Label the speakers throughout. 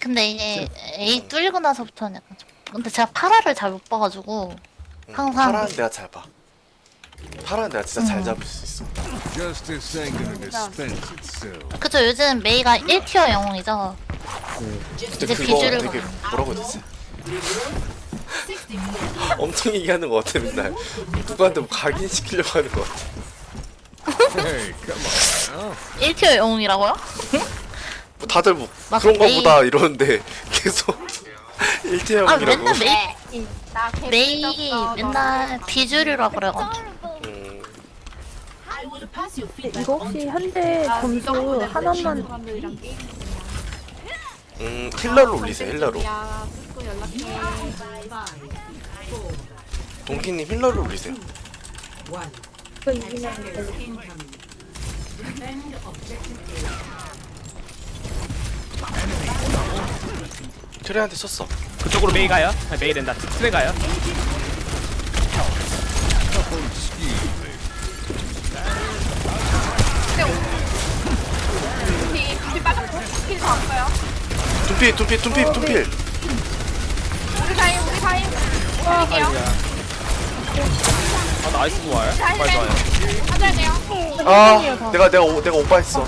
Speaker 1: 근데 이게 A 뚫리고 나서부터는 약간 좀. 근데 제가 파라를 잘 못 봐가지고 항상.
Speaker 2: 파라는 내가 잘 봐. 파라는 내가 진짜 잘 잡을 수 있어.
Speaker 3: Justice ain't gonna dispense itself.
Speaker 1: 그쵸, 요즘 메이가 1티어 영웅이죠.
Speaker 2: 근데
Speaker 1: 이제
Speaker 2: 그거
Speaker 1: 비주를
Speaker 2: 되게
Speaker 1: 봐.
Speaker 2: 뭐라고 해야 되지? 엄청 얘기하는 것 같아 맨날. 누구한테 뭐 각인시키려고 하는 것 같아.
Speaker 3: Hey, come on now.
Speaker 1: 1티어 영웅이라고요?
Speaker 2: 뭐 다들 뭐
Speaker 1: 막
Speaker 2: 그런
Speaker 1: 메이-
Speaker 2: 거보다 이러는데 계속 일제형이라고.
Speaker 1: 아, 맨날 메이,
Speaker 4: 나
Speaker 1: 메이 맨날 비주류라 그래가지고.
Speaker 5: 이거 혹시 현재 점수 하나만
Speaker 2: 힐러로 올리세요. 힐러로.
Speaker 4: 야, 또 연락해.
Speaker 2: 동키님 힐러로 올리세요.
Speaker 5: 그 이기면 되죠.
Speaker 2: 트레한테 쳤어.
Speaker 6: 그쪽으로 메이 가요? 아, 메이 된다. 트레 가요?
Speaker 4: 비 빠졌고, 스킬 더 왔어요.
Speaker 2: 둠필.
Speaker 4: 우리 사이. 드릴게요.
Speaker 6: 아 나이스 좋아요.
Speaker 4: 사이,
Speaker 6: 정말 좋아요.
Speaker 4: 하셔야 돼요.
Speaker 2: 아, 내가 오빠 했어.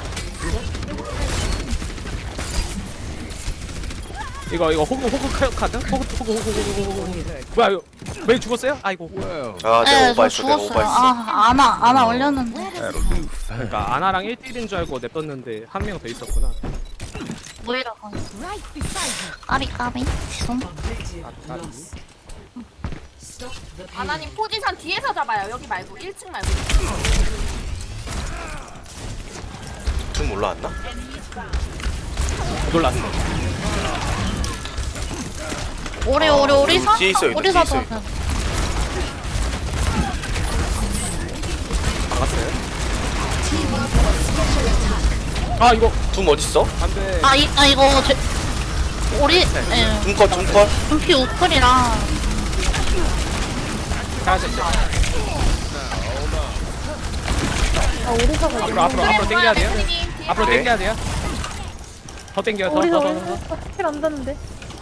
Speaker 6: 이거 호그 카드? 호그. 뭐야 이거 메이 죽었어요? 아이고.
Speaker 3: Well,
Speaker 2: 아,
Speaker 1: 네,
Speaker 2: 내가
Speaker 1: 저
Speaker 2: 오빠 했어. 내가
Speaker 1: 죽었어요.
Speaker 2: 오빠 했어.
Speaker 1: 아, 아나 올렸는데.
Speaker 3: that'll do fine.
Speaker 6: 그러니까 아나랑 1대1인 줄 알고 냅뒀는데 한 명 더 있었구나.
Speaker 1: 모이라 건. 까비. 죄송.
Speaker 4: 아나님 포지션 뒤에서 잡아요. 여기 말고 1층 말고.
Speaker 2: 둠 올라왔나?
Speaker 6: 놀랐어.
Speaker 1: 오리사?
Speaker 2: 뒤에 있어요,
Speaker 1: 오리사
Speaker 2: 뒤에 있어요.
Speaker 1: 도
Speaker 6: 나갔어요? 아 이거
Speaker 2: 둠 어딨어?
Speaker 6: 안돼.
Speaker 1: 이거 오리
Speaker 2: 둠컷.
Speaker 1: 분피 우클이랑
Speaker 6: 잘하셨죠?
Speaker 5: 아 오리사가
Speaker 6: 앞으로 당겨야 돼요. 앞으로
Speaker 2: 네.
Speaker 6: 당겨야 돼요. 더 당겨요.
Speaker 5: 오리사
Speaker 6: 더.
Speaker 5: 스킬 안 닿는데.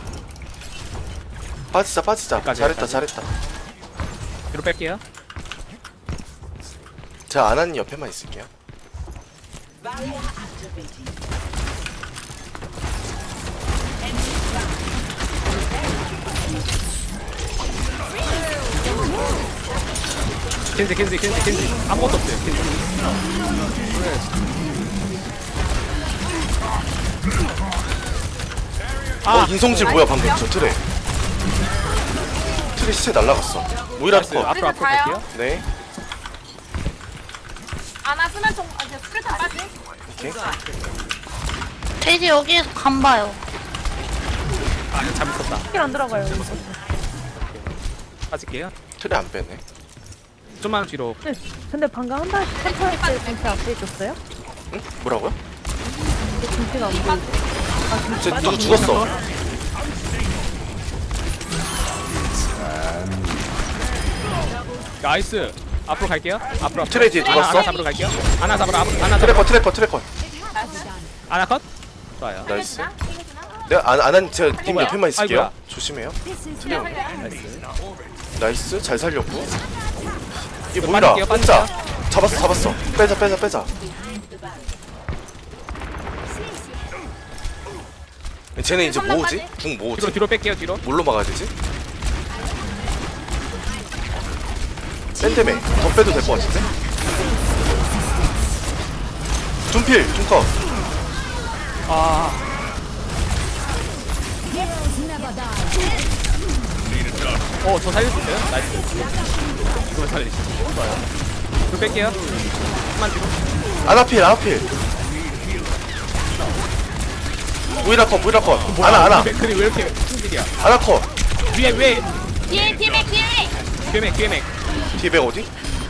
Speaker 2: 빠지자.
Speaker 6: 여기까지,
Speaker 2: 잘했다.
Speaker 6: 뒤로 뺄게요.
Speaker 2: 제가 아나님 옆에만 있을게요.
Speaker 6: 켄지. 아무것도 없어요. 켄지.
Speaker 2: 인성질 뭐야 방금 저 트레 시체 날라갔어. 모이라
Speaker 6: 나이스.
Speaker 2: 거.
Speaker 6: 앞으로 갈게요.
Speaker 2: 네.
Speaker 4: 아나 쓰면 좀, 이제 스크래터 빠지?
Speaker 2: 오케이.
Speaker 1: 돼지 여기에서 간 봐요.
Speaker 6: 아 잘못했다.
Speaker 5: 스킬 안 들어가요.
Speaker 6: 빠질게요.
Speaker 2: 트레 안 빼네.
Speaker 6: 좀만 뒤로.
Speaker 5: 네. 근데 방금 한달 한타할 때 진짜 앞에 있었어요?
Speaker 2: 응? 뭐라고요?
Speaker 5: 근데 진짜가 안 보이고.
Speaker 2: 쟤 누구 죽었어.
Speaker 6: 나이스. 앞으로 갈게요. 앞으로.
Speaker 2: 트레 뒤에 누가
Speaker 6: 아나
Speaker 2: 있어?
Speaker 6: 잡으러 갈게요. 아나 잡으러. 아나 잡으러.
Speaker 2: 트래커.
Speaker 6: 아나 컷. 좋아요.
Speaker 2: 나이스. 내가 아난 제가 님
Speaker 6: 뭐야?
Speaker 2: 옆에만 있을게요.
Speaker 6: 아이고야.
Speaker 2: 조심해요. 트레 형.
Speaker 6: 나이스.
Speaker 2: 나이스. 잘 살렸고. 이게
Speaker 6: 저
Speaker 2: 뭐이라?
Speaker 6: 빠질게요,
Speaker 2: 혼자. 잡았어. 빼자. 쟤는 이제 뭐오지? 궁 뭐오지?
Speaker 6: 뒤로 뺄게요. 뒤로.
Speaker 2: 뭘로 막아야 되지? 샌드맨 더 빼도 될 것 같은데? 둠컷.
Speaker 6: 아. 저 살릴 수 있어요? 나이스. 이거 살리시죠. 좋아요. 뒤로 뺄게요. 좀만 뒤로.
Speaker 2: 아나필. 모이라 컷. 아나.
Speaker 6: 맥클이 왜 이렇게 충질이야?
Speaker 2: 아나 컷.
Speaker 6: 위에.
Speaker 4: 뒤에 맥.
Speaker 6: 뒤에 맥.
Speaker 2: 뒤에 어디?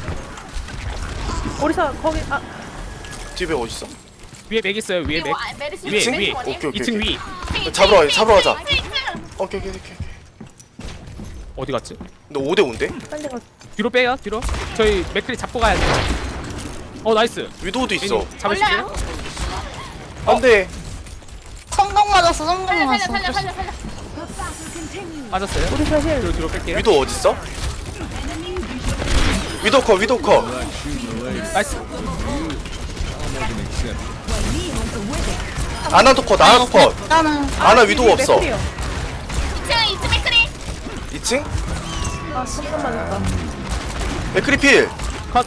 Speaker 5: 오리사 거기
Speaker 2: 뒤에 어딨어?
Speaker 6: 위에 맥 있어요. 위에 맥.
Speaker 4: 메르시
Speaker 6: 위에, 위에.
Speaker 2: 오케이.
Speaker 6: 2층 위.
Speaker 2: 잡으러 가자. 오케이.
Speaker 6: 어디 갔지?
Speaker 2: 너 5대 5인데?
Speaker 5: 빨리 가.
Speaker 6: 뒤로 빼요. 뒤로. 저희 맥클이 잡고 가야 돼요. 나이스.
Speaker 2: 위도우도 있어.
Speaker 6: 잡으시죠?
Speaker 2: 안돼.
Speaker 1: 콩 성공 맞았어, 성공
Speaker 4: 살려
Speaker 1: 맞았어.
Speaker 4: 살려 살려 살려.
Speaker 6: 빠졌어요.
Speaker 5: 우리 사실
Speaker 6: 뒤로 뺄게요.
Speaker 2: 위도 어딨어? 위도 컷 위도 컷.
Speaker 3: Not shooting the lady.
Speaker 6: 나이스.
Speaker 3: I'll make an exception.
Speaker 2: 아나도 컷 아나도 컷.
Speaker 1: 일단은
Speaker 2: 아나 위도 없어.
Speaker 4: 2층 2층 맥크리.
Speaker 2: 2층?
Speaker 5: 아 손금 맞았다.
Speaker 2: 맥크리필.
Speaker 6: 컷.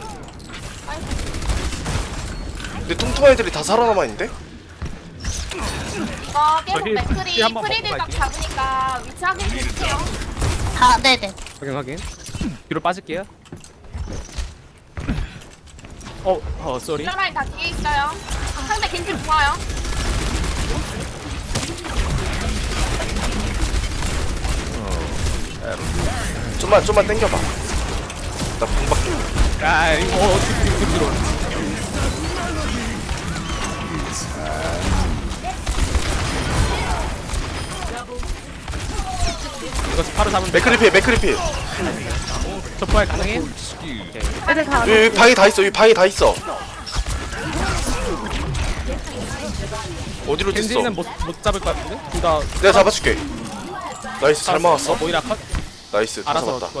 Speaker 2: 근데 뚱뚱한 애들이 다 살아남아있는데?
Speaker 4: 이거 계속
Speaker 6: 저기
Speaker 4: 맥크리
Speaker 6: 힐 한번
Speaker 4: 프리딜
Speaker 6: 먹고
Speaker 4: 막 잡으니까 위치 확인 해주세요.
Speaker 1: 아, 네네.
Speaker 6: 확인. 뒤로 빠질게요. 쏘리.
Speaker 4: 힐러라인 다 뒤에 있어요. 상대 겐지 좋아요.
Speaker 2: 좀만 땡겨봐. 나 공밖에.
Speaker 6: 아, 이거 뒤로. 이거 바로 잡으면
Speaker 2: 맥크리필.
Speaker 6: 저 부활 가능해?
Speaker 3: Excuse.
Speaker 5: 애들 다 안.
Speaker 2: 여기 방이 다 있어. 여기 방이 다 있어. 어디로 됐어?
Speaker 6: 겐지는 못 잡을 것 같은데? 둘 다.
Speaker 2: 내가 잡아줄게. 나이스 잘 막았어.
Speaker 6: 모이라 컷.
Speaker 2: 나이스 다
Speaker 6: 알아서
Speaker 2: 잡았다.
Speaker 6: 그건.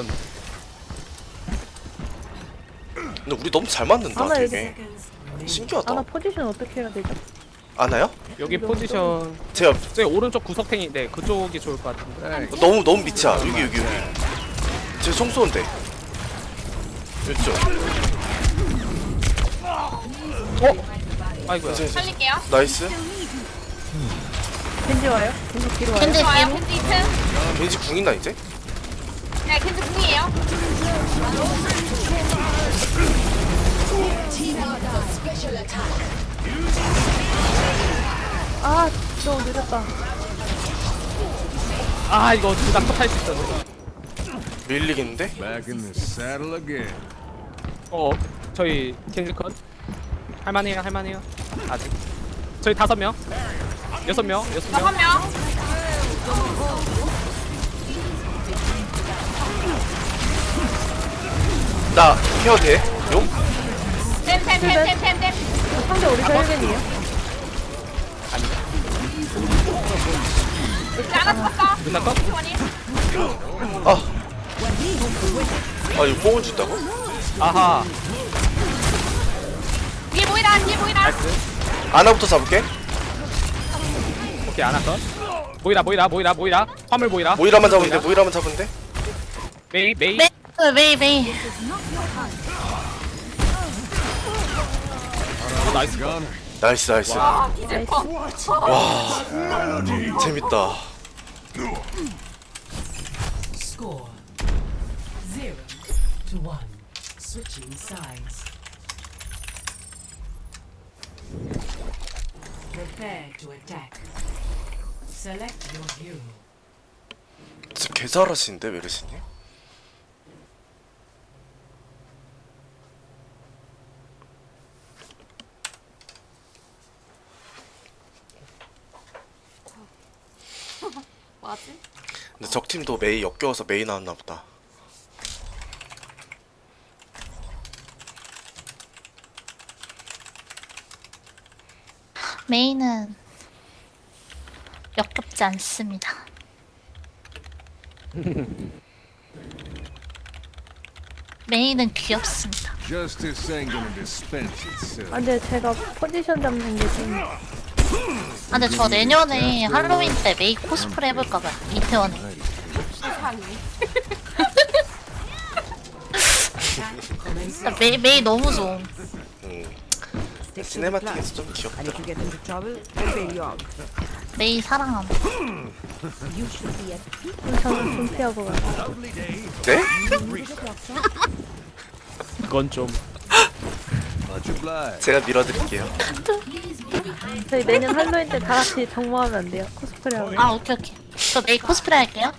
Speaker 2: 근데 우리 너무 잘 맞는다
Speaker 5: 아나
Speaker 2: 되게.
Speaker 5: 아나
Speaker 2: 신기하다.
Speaker 5: 포지션 어떻게 해야 되죠?
Speaker 2: 아나요?
Speaker 6: 여기 포지션
Speaker 2: 제가
Speaker 6: 저기 오른쪽 구석탱인데 그쪽이 좋을 것 같은데.
Speaker 2: 너무 밑이야. 여기. 제 총 쏘는데. 이쪽.
Speaker 6: 아이고야.
Speaker 4: 살릴게요.
Speaker 2: 나이스.
Speaker 5: 겐지 와요? 겐지 뒤로 와요?
Speaker 1: 근데
Speaker 4: 좋아요.
Speaker 1: 뒤로
Speaker 4: 겐지 2층.
Speaker 2: 겐지 궁 있나 이제?
Speaker 4: 네 겐지 궁이에요.
Speaker 5: 아 너무 늦었다.
Speaker 6: 아 이거 둘 다 컷 할 수 있었네.
Speaker 2: 밀리겠는데?
Speaker 3: Back in the saddle again.
Speaker 6: 저희 겐지 컷. 할만해요. 아직. 저희 5명. 6명.
Speaker 4: 6명.
Speaker 2: 나 케어 돼? 용?
Speaker 4: 템.
Speaker 5: 상대 우리 사일벤이에요?
Speaker 4: 하나 죽었어.
Speaker 6: 누나 컷?
Speaker 4: 원이.
Speaker 2: 아 이거 뽕을 준다고?
Speaker 6: 아하.
Speaker 4: 뒤에 보이라.
Speaker 6: 나이스.
Speaker 2: 아나부터 잡을게.
Speaker 6: 오케이 안 할까? 모이라 화물 모이라
Speaker 2: 모이라만 잡으면 돼.
Speaker 6: 메이
Speaker 1: 메이.
Speaker 6: 나이스
Speaker 3: Gunner.
Speaker 2: 나이스.
Speaker 4: 아 디제퍼.
Speaker 2: 재밌다.
Speaker 7: Score 0 to 1. Switching sides. Prepare to attack. Select your hero.
Speaker 2: 진짜 개 잘하시는데 메르시님?
Speaker 4: 뭐지?
Speaker 2: 근데 적팀도 메이 역겨워서 메이 나왔나 보다.
Speaker 1: 메이는 역겹지 않습니다. 메이는 귀엽습니다.
Speaker 3: Justice ain't gonna dispense itself.
Speaker 5: 아 근데 제가 포지션 잡는 게 좀
Speaker 1: 아, 근데 저 내년에 할로윈 때 메이 코스프레 해볼까봐요. 이태원에.
Speaker 4: 세상에.
Speaker 1: 진짜 메이 너무 좋음.
Speaker 2: 시네마틱에서 좀 귀엽다.
Speaker 1: 메이 사랑함.
Speaker 5: 저는 좀 피하고 가요.
Speaker 2: 네?
Speaker 6: 그건 좀
Speaker 3: Much obliged.
Speaker 2: 제가 밀어드릴게요.
Speaker 5: 저희 내년 할로윈 때 다 같이 정모하면 안 돼요? 코스프레 하고.
Speaker 1: 아, 오케이. 저 메이 코스프레 할게요.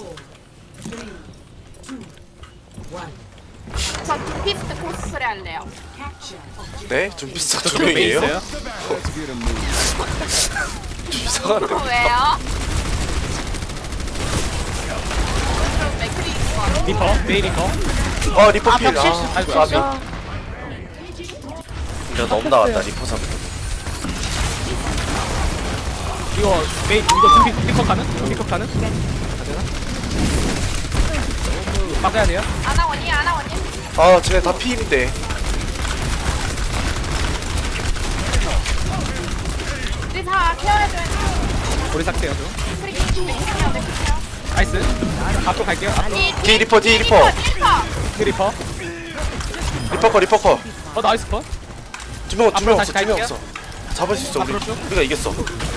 Speaker 4: 저 두피스트 코스프레 할래요.
Speaker 2: 네? 좀 비슷한 두
Speaker 6: 저쪽 메이
Speaker 2: 명이에요?
Speaker 6: 있어요?
Speaker 3: Let's get a move.
Speaker 2: 좀 이상한데?
Speaker 4: 왜요? 그럼 맥크리 있어.
Speaker 6: 메이 리퍼
Speaker 2: 아 리퍼 필.
Speaker 1: 벽실수.
Speaker 6: 아이고,
Speaker 2: 까비.
Speaker 5: 아,
Speaker 2: 내가 너무 나왔다 리퍼 잡을 때.
Speaker 6: 이거 메이 이거 픽업 가는? 픽업 가는? 안 되나? 막아야 돼요?
Speaker 4: 아나원이 아나원이.
Speaker 2: 아 쟤네 다 피인데.
Speaker 4: 우리 다 케어해줘야 돼.
Speaker 6: 우리 삭제요 좀.
Speaker 4: 크리키 케어 내 케어.
Speaker 6: 나이스. 앞으로 갈게요. 앞으로.
Speaker 2: 뒤 리퍼 뒤 리퍼.
Speaker 6: 리퍼.
Speaker 2: 리퍼 컷.
Speaker 6: 나이스 컷.
Speaker 2: 두 명
Speaker 6: 앞으로
Speaker 2: 없어
Speaker 6: 다시
Speaker 2: 2명
Speaker 6: 갈게요.
Speaker 2: 없어. 잡을 수 있어 우리.
Speaker 6: 앞으로 쭉.
Speaker 2: 우리가 이겼어.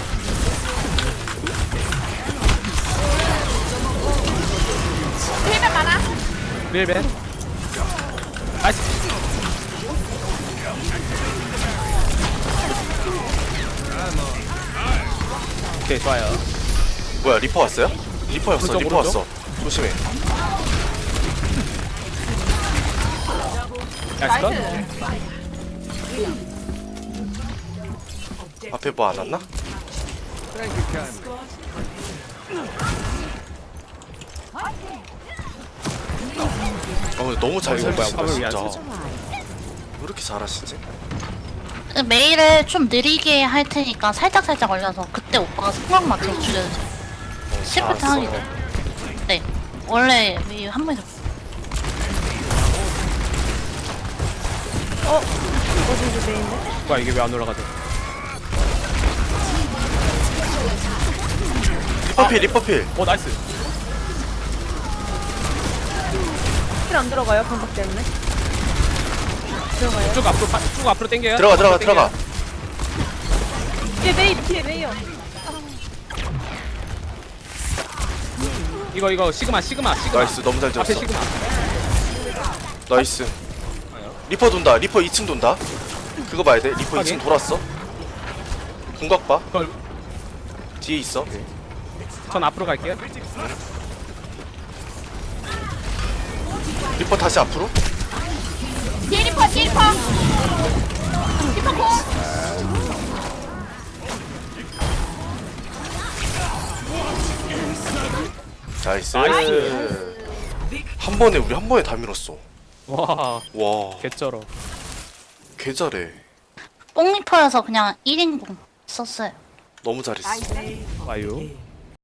Speaker 4: 힐맨 많아.
Speaker 6: 릴벤. 나이스. 오케이 좋아요.
Speaker 2: 뭐야 리퍼 왔어요? 리퍼였어
Speaker 6: 오른쪽,
Speaker 2: 리퍼
Speaker 6: 오른쪽.
Speaker 2: 왔어. 조심해.
Speaker 6: 나이스 컷.
Speaker 2: 앞에 뭐 안 왔나?
Speaker 3: Thank you kindly.
Speaker 2: 근데 너무 잘
Speaker 6: 이거 뭐야,
Speaker 2: 살리신다
Speaker 6: 화물 위안
Speaker 2: 진짜.
Speaker 6: 쓰죠?
Speaker 2: 왜 이렇게 잘하시지?
Speaker 1: 메일을 좀 느리게 할 테니까 살짝 올려서 그때 오빠가 생각 맞춰서 줄여주세요. 시프트 하기 전에. 네. 원래 메일 한 번에 잡고.
Speaker 5: 어디서 메인데?
Speaker 6: 뭐야 이게 왜 안 올라가죠?
Speaker 2: 리퍼필.
Speaker 6: 나이스.
Speaker 5: 힐안 들어가요 방박 때문에. 들어가요.
Speaker 6: 쭉 앞으로 당겨요.
Speaker 2: 들어가.
Speaker 5: 뒤에 메이요.
Speaker 6: 이거 시그마.
Speaker 2: 나이스 너무 잘
Speaker 6: 앞에
Speaker 2: 잡았어.
Speaker 6: 시그마.
Speaker 2: 나이스. 리퍼 돈다. 리퍼 2층 돈다. 그거 봐야 돼. 리퍼
Speaker 6: 확인.
Speaker 2: 2층 돌았어. 궁각 봐.
Speaker 6: 그걸
Speaker 2: 뒤에 있어.
Speaker 6: 전 앞으로 갈게요.
Speaker 2: 리퍼 다시 앞으로.
Speaker 4: 뒤에 리퍼. 리퍼 고.
Speaker 2: 나이스.
Speaker 6: 나이스.
Speaker 2: 우리 한 번에 다 밀었어.
Speaker 6: 와
Speaker 2: 와.
Speaker 6: 개쩔어.
Speaker 2: 개 잘해.
Speaker 1: 뽕리퍼여서 그냥 1인공 썼어요.
Speaker 2: 너무 잘했어.
Speaker 6: 와요.